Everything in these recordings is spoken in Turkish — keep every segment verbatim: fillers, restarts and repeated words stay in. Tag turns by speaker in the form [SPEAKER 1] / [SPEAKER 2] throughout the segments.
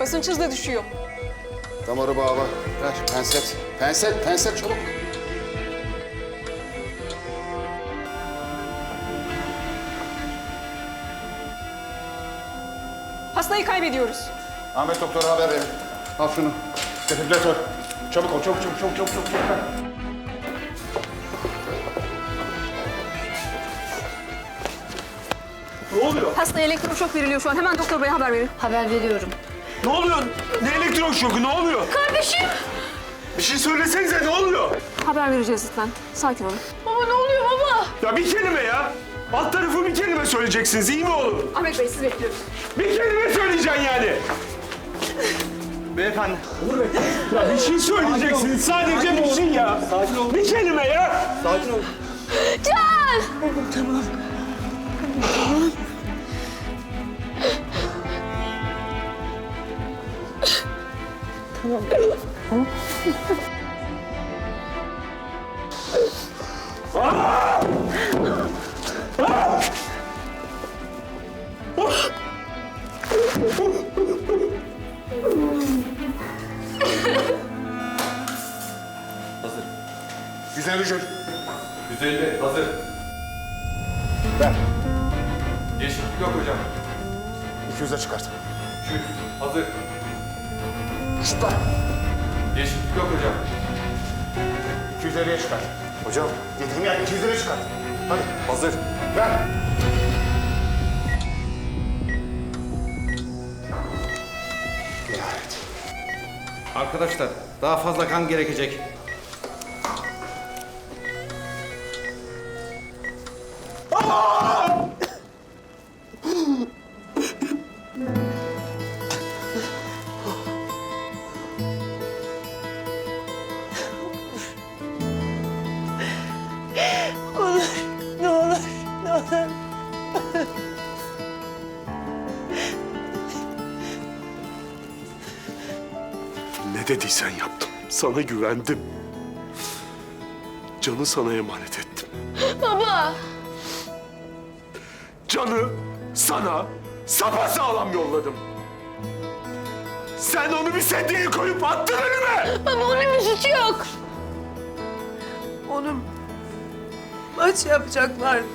[SPEAKER 1] Basınç hızla düşüyor.
[SPEAKER 2] Damarı bağla. Ver penset. Penset, penset çabuk.
[SPEAKER 1] Hastayı kaybediyoruz.
[SPEAKER 2] Ahmet doktora haber verin. Al şunu. Defibrilatör. Çabuk ol, çabuk, çabuk, çabuk, çabuk, çabuk. çabuk.
[SPEAKER 3] Ne oluyor?
[SPEAKER 1] Hastaya elektroşok veriliyor şu an. Hemen doktor beye haber verin.
[SPEAKER 4] Haber veriyorum.
[SPEAKER 3] Ne oluyor? Ne elektron şoku? Ne oluyor?
[SPEAKER 4] Kardeşim!
[SPEAKER 3] Bir şey söylesenize ne oluyor?
[SPEAKER 1] Haber vereceğiz lütfen. Sakin olun.
[SPEAKER 4] Baba ne oluyor baba?
[SPEAKER 3] Ya bir kelime ya. Alt tarafı bir kelime söyleyeceksiniz. İyi mi oğlum?
[SPEAKER 1] Ahmet Bey sizi bekliyoruz.
[SPEAKER 3] Bir kelime söyleyeceksin yani.
[SPEAKER 5] Beyefendi.
[SPEAKER 3] Ya bir şey söyleyeceksiniz. Sadece bir şey ya.
[SPEAKER 5] Sakin ol.
[SPEAKER 3] Bir kelime ya.
[SPEAKER 5] Sakin ol.
[SPEAKER 4] Can!
[SPEAKER 5] Hazır.
[SPEAKER 2] Güzel hücum.
[SPEAKER 5] yüz elli hazır.
[SPEAKER 2] Ver.
[SPEAKER 5] Değişiklik yok hocam.
[SPEAKER 2] iki yüze çıkart.
[SPEAKER 5] iki yüz hazır.
[SPEAKER 2] Şutla.
[SPEAKER 5] Değişiklik yok hocam.
[SPEAKER 2] iki yüz elliye çıkart. Hocam. Dediğim yer iki yüz elliye çıkart. Hadi.
[SPEAKER 5] Hazır.
[SPEAKER 2] Ver. Nihayet.
[SPEAKER 6] Arkadaşlar daha fazla kan gerekecek.
[SPEAKER 4] Olur, ne olur, ne olur.
[SPEAKER 3] Ne dediysen yaptım. Sana güvendim. Can'ı sana emanet ettim.
[SPEAKER 4] Baba!
[SPEAKER 3] Can'ı sana sapasağlam yolladım. Sen onu bir sedyeye koyup attın önüme.
[SPEAKER 4] Baba onun bir suçu yok.
[SPEAKER 7] Onun maç yapacaklardı.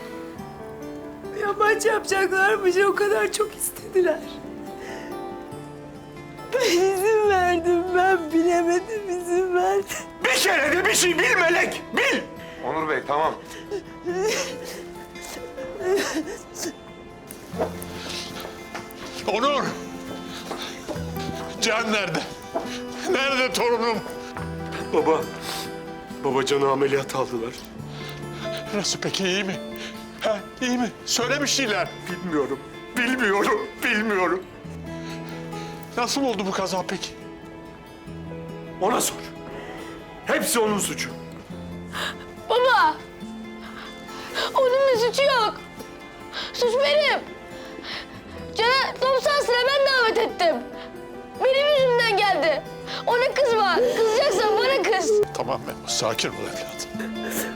[SPEAKER 7] Ya maç yapacaklarmış, o kadar çok istediler. Ben izin verdim, ben bilemedim, izin verdim.
[SPEAKER 3] Bir kere de bir şey bil Melek, bil.
[SPEAKER 5] Onur Bey tamam.
[SPEAKER 8] Onur! Can nerede? Nerede torunum?
[SPEAKER 3] Baba, baba Can'ı ameliyat aldılar.
[SPEAKER 8] Nasıl peki, iyi mi? Ha, iyi mi? Söylemiştiler.
[SPEAKER 3] Bilmiyorum, bilmiyorum, bilmiyorum.
[SPEAKER 8] Nasıl oldu bu kaza peki?
[SPEAKER 3] Ona sor. Hepsi onun suçu.
[SPEAKER 4] Baba! Onun bir suçu yok. Suç benim. Can'a top sahasına ben davet ettim. Benim yüzümden geldi. Ona kızma. Kızacaksan bana kız.
[SPEAKER 8] Tamam Memo, sakin ol evladım.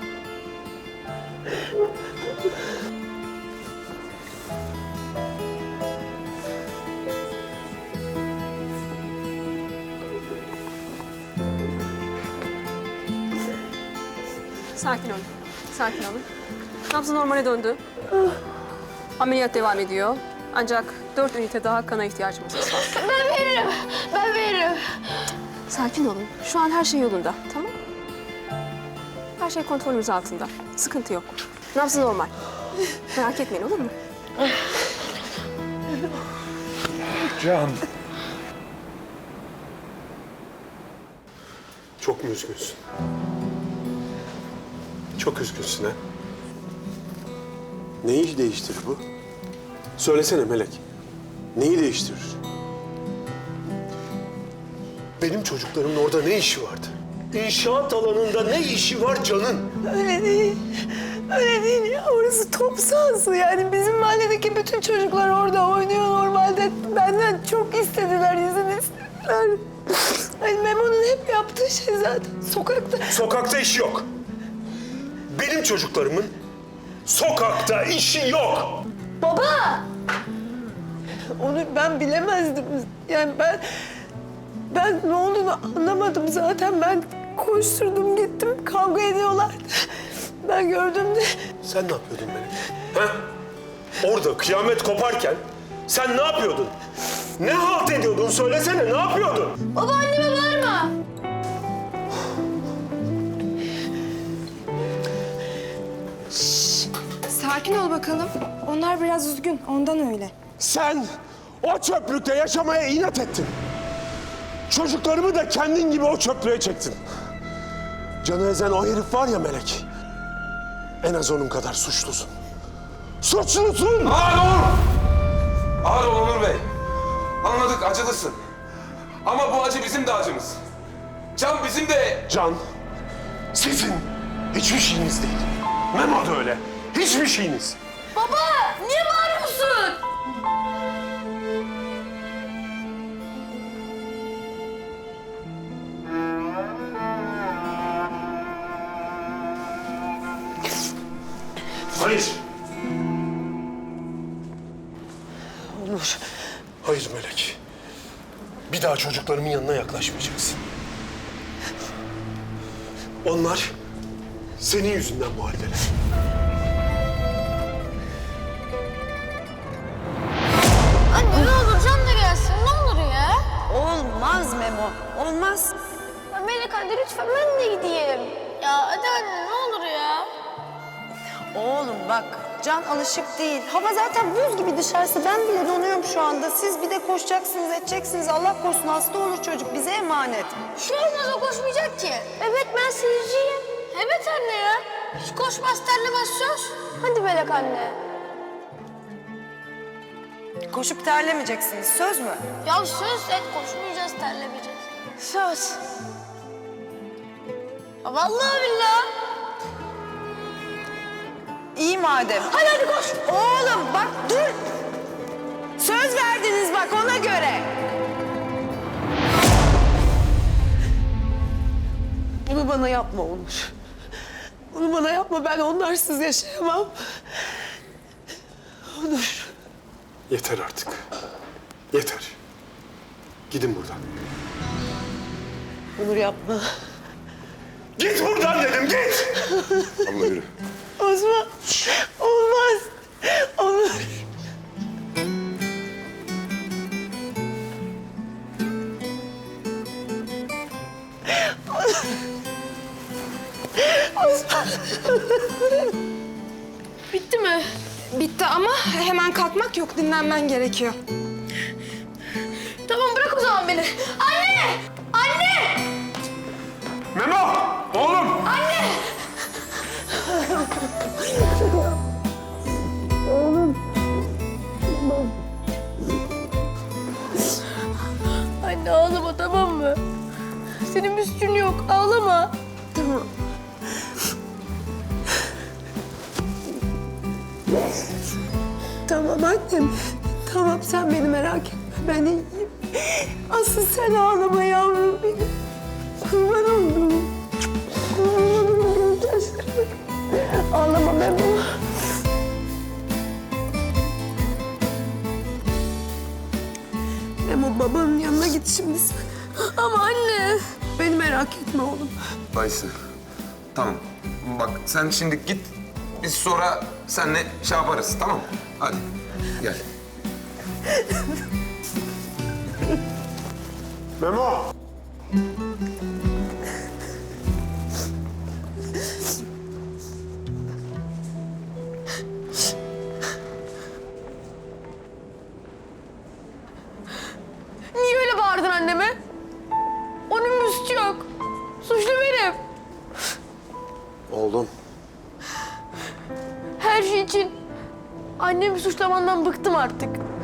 [SPEAKER 1] Sakin olun. Sakin olun. Nabzı normale döndü. Ameliyat devam ediyor. Ancak dört ünite daha kana ihtiyacımız var.
[SPEAKER 4] Ben veririm. Ben veririm.
[SPEAKER 1] Sakin olun. Şu an her şey yolunda. Tamam? Her şey kontrolümüz altında. Sıkıntı yok. Nabzı normal. Merak etmeyin, olur mu?
[SPEAKER 8] Can.
[SPEAKER 3] Çok mu üzgünsün? Çok üzgünsün ha? Neyi değiştirir bu? Söylesene Melek. Neyi değiştirir? Benim çocuklarımın orada ne işi vardı? İnşaat alanında ne işi var Can'ın?
[SPEAKER 7] Öyle değil, öyle değil ya. Orası top sahası. Yani bizim mahalledeki bütün çocuklar orada oynuyor normalde. Benden çok istediler, izin istediler. Hani Memo'nun hep yaptığı şey zaten sokakta.
[SPEAKER 3] Sokakta işi yok. Benim çocuklarımın sokakta işi yok.
[SPEAKER 4] Baba!
[SPEAKER 7] Onu ben bilemezdim. Yani ben... Ben ne olduğunu anlamadım zaten. Ben koşturdum gittim. Kavga ediyorlardı. Ben gördüm de...
[SPEAKER 3] Sen ne yapıyordun Melek? Ha? Orada kıyamet koparken sen ne yapıyordun? Ne halt ediyordun? Söylesene, ne yapıyordun?
[SPEAKER 4] Baba anneme bağırma.
[SPEAKER 9] Sakin ol bakalım. Onlar biraz üzgün, ondan öyle.
[SPEAKER 3] Sen o çöplükte yaşamaya inat ettin. Çocuklarımı da kendin gibi o çöplüğe çektin. Canı ezen o herif var ya Melek. En az onun kadar suçlusun. Suçlusun!
[SPEAKER 5] Ağır ol! Ağır ol Onur Bey. Anladık, acılısın. Ama bu acı bizim de acımız. Can bizim de...
[SPEAKER 3] Can, sizin hiçbir şeyiniz değil. Memo da öyle. Hiçbir şeyiniz.
[SPEAKER 4] Baba niye bağırıyorsun?
[SPEAKER 3] Hayır. Onur. Hayır Melek. Bir daha çocuklarımın yanına yaklaşmayacaksın. Onlar senin yüzünden bu haldeler.
[SPEAKER 4] Anne ne olur Can da gelsin ne olur ya.
[SPEAKER 7] Olmaz Memo, olmaz.
[SPEAKER 4] Ya Melek anne lütfen ben de gideyim. Ya hadi anne ne olur ya.
[SPEAKER 7] Oğlum bak, Can alışık değil. Hava zaten buz gibi dışarısı. Ben bile donuyorum şu anda. Siz bir de koşacaksınız, edeceksiniz. Allah korusun hasta olur çocuk. Bize emanet.
[SPEAKER 4] Bir şey olmaz o koşmayacak ki. Evet ben seyirciyim. Evet anne ya. Hiç koşmaz terlemez söz. Hadi Melek anne.
[SPEAKER 7] Koşup terlemeyeceksiniz. Söz mü?
[SPEAKER 4] Ya söz et koşmayacağız terlemeyeceğiz. Söz. Ya vallahi billahi.
[SPEAKER 7] İyi madem.
[SPEAKER 4] Hadi hadi koş.
[SPEAKER 7] Oğlum bak dur. Söz verdiniz bak ona göre. Bunu bana yapma Onur. Bunu bana yapma. Ben onlarsız yaşayamam. Onur.
[SPEAKER 3] Yeter artık. Yeter. Gidin buradan.
[SPEAKER 7] Onur yapma.
[SPEAKER 3] Git buradan dedim, git! Allah yürü.
[SPEAKER 7] Osman. Olmaz. Onur. Osman.
[SPEAKER 4] Bitti mi?
[SPEAKER 9] Bitti ama hemen kalkmak yok, dinlenmen gerekiyor.
[SPEAKER 4] Tamam bırak o zaman beni. Anne! Anne!
[SPEAKER 3] Memo! Oğlum!
[SPEAKER 4] Anne! Anne ağlama tamam mı? Senin bir suçun yok ağlama.
[SPEAKER 7] Tamam. Tamam annem. Tamam sen beni merak etme. Ben iyiyim. Asıl sen ağlama yavrum benim. Kurban oldum. Kurban oldum gözlerime. Ağlama Memo. Memo babanın yanına git şimdi sen.
[SPEAKER 4] Ama anne.
[SPEAKER 7] Beni merak etme oğlum.
[SPEAKER 5] Ayşe, tamam. Bak sen şimdi git. Biz sonra seninle şey yaparız, tamam mı? Hadi, gel.
[SPEAKER 3] Memo!
[SPEAKER 4] Niye öyle bağırdın anneme? Onun bir suçu yok. Suçlu benim.
[SPEAKER 3] Oğlum.
[SPEAKER 4] Her şey için annemi suçlamandan bıktım artık.